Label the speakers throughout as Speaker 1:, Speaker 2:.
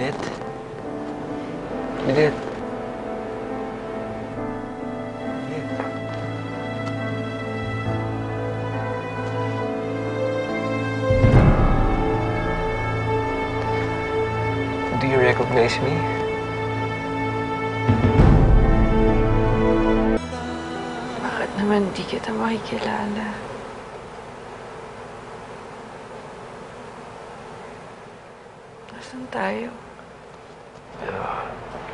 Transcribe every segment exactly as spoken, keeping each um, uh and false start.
Speaker 1: Lynette? Lynette? Lynette? Do you recognize me?
Speaker 2: Bakit naman di kita makikilala? Nasaan tayo?
Speaker 1: Uh,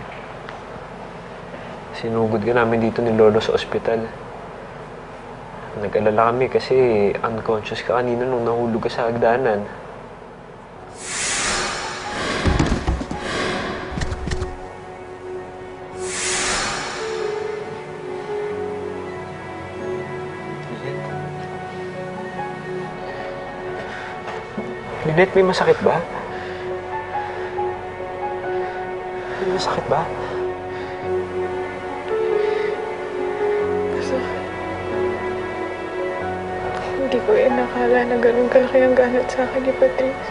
Speaker 1: sinugod ka namin dito ni Lolo sa ospital. Nag-alala kami kasi unconscious ka kanina nung nahulog ka sa hagdanan. Lynette, may masakit ba? May masakit ba?
Speaker 2: Masakit. Hindi ko yan nakala na ganun kalaki ang ganat sa akin ni Patrice.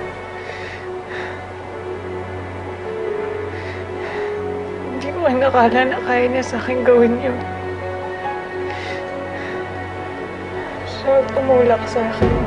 Speaker 2: Hindi ko yan nakala na kaya niya sa akin gawin yun. Siya tumulak sa akin.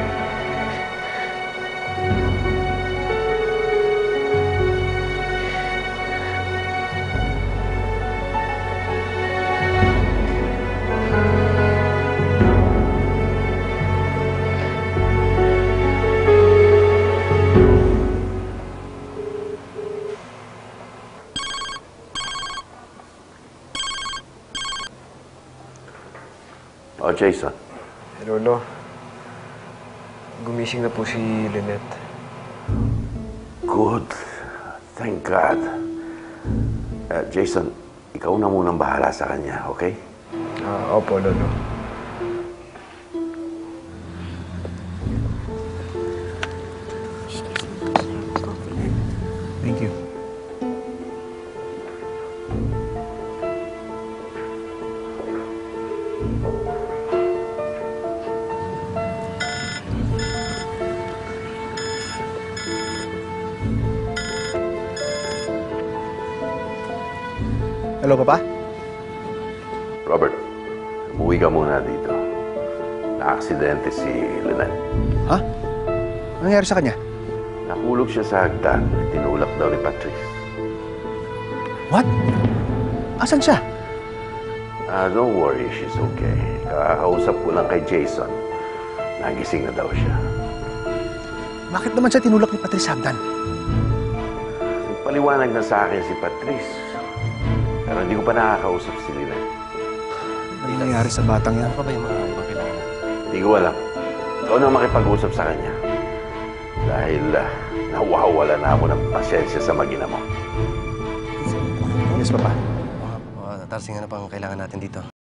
Speaker 3: Oh, Jason.
Speaker 1: Hey, Lolo. Gumising na po si Lynette.
Speaker 3: Good. Thank God. Uh, Jason, ikaw na munang bahala sa kanya, okay?
Speaker 1: Ah, opo, Lolo.
Speaker 4: Thank you. Hello, Papa?
Speaker 3: Robert, umuwi ka muna dito. Na-aksidente si Lynette.
Speaker 4: Ha? Ano nangyari sa kanya?
Speaker 3: Nahulog siya sa hagdan. Tinulak daw ni Patrice.
Speaker 4: What? Asan siya?
Speaker 3: Ah, don't worry, she's okay. Kakakausap ko lang kay Jason. Nagising na daw siya.
Speaker 4: Bakit naman siya tinulak ni Patrice Hagdan?
Speaker 3: Paliwanag na sa akin si Patrice. Pero hindi ko pa nakakausap si Lynette.
Speaker 4: Ano nangyari sa batang yan?
Speaker 5: Ano pa ba yung mga ibang kailangan?
Speaker 3: Hindi ko alam. Ikaw na makipag-usap sa kanya. Dahil uh, nawawala na ako ng pasensya sa mag-ina mo.
Speaker 4: Yes, Papa.
Speaker 5: Mga uh, tarsing ano pang kailangan natin dito?